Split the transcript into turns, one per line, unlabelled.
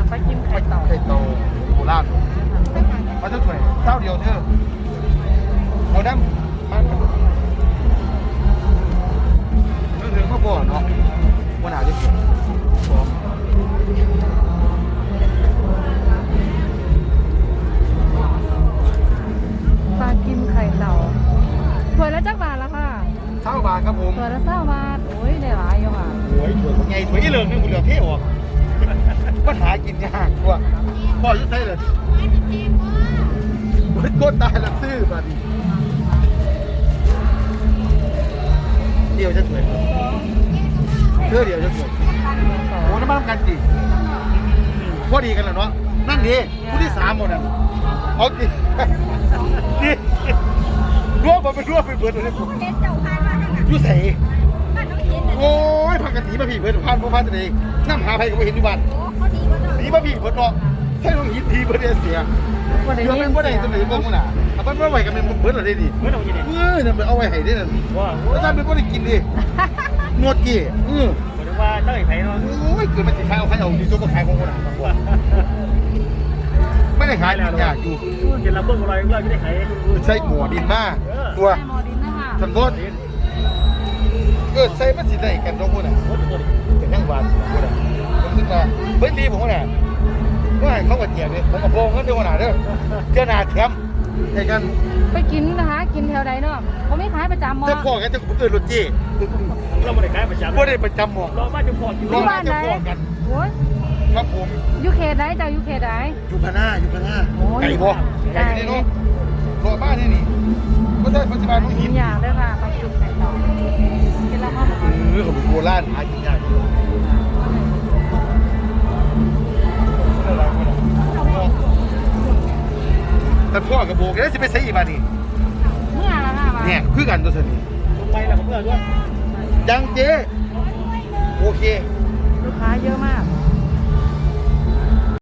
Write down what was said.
ไปกินไข่เต่า
โบราณมาถ้วยเท่าเดียวเธอเอาน้ำมันถึงมาบ่อเนาะวันหาจะเกิด
ปลากิมไข่เต่าถ้วยละจักบาทละค่ะ
20 บาทครับผม
ถ้วยละ20 บาทโอ้ยได้หลายอยู่ค่ะ
ถ้วยไงถ้วยเหลืองนี่คุณเหลือเท่ออกปัญหากินยากกว่าพ่อยุ่งได้เลยมันโคตรตายแล้วซื้อมาดิเดียวจะสวยเพื่อเดียวจะสวยโอ้น้ำมันกันดิพอดีกันแล้วเนาะนั่งดีผู้ที่3หมดอ่ะเอาดิดิร่วมมาเป็นร่วมเป็นเบิร์ดเลยยุ่ใส่โอ้ยพักกันถีมาผีเบิร์ดพันพวกพันตัวเองน้ำหาไผ่ก็ไม่เห็นอยู่บ้านถีมาผีเบิร์ดเนาะใช่ต้องหินทีเบิร์ดเสียเดี๋ยวเป็นบ่ได้ตัวไหนบ้างมั้งน่ะเอาไปบ่ไหวกันเป็นเบิร์ดอะไรดินั่นเอาไว้ให้ได้นั่นแล้วท่านเป็นบ่ได้กินดินวดกี่
หมายถึงว่าเจ้าไอ้ไผ่เนาะ
โอ้ยเกิดมันสิขายเอาดีตัวก็ขายของคนน่ะไม่ได้ขายแล้วอยากอยู่
เห็นลำเบิ้งอะไรเราไม่ได้ขาย
ใส่หมูดินมากตัวฉันบดใส่มันสิได้กันตรงคนน่ะเป็นยังหวานคนน่ะผมนึกว่าเบิ้ลดีผมน่ะก็ให้เขากระเจี๊ยบเลยผมกับโพงก็เดี๋ยวหนาเด้อเจ้าหน้าแถมไอ้กัน
ไปกินนะคะกินแถวใดเนาะเขาไม่ขายประจำมั้ง
จะพอกันจะผมรถจี้
เราไม่ได้ขายประจำ
ไม่ได้ประจำหมด
เราบ้านจะพอกิน
ที่บ้านไหนโอ้ย
ครับผม
ยูเคไหนเจ้ายูเคไหน
ยูพาน่าไก่บ่ไก่นี่เนาะตัวบ้านนี่นี่ก็ได้ปัจจุบันน้องหิน
อย่างด้วยค่ะไปกินไข่ต่อกินแล้วก็
ของโบราณหากินยากแต่พ่อกับโบกแล้วจะไปใช้อีบานี่
เมื่อละค่ะ
เนี่ยคือกันตัวสนิท
ไปแล้วผมเพื่อนด้วย
ยังเจ๊โอเค
ลูกค้าเยอะมาก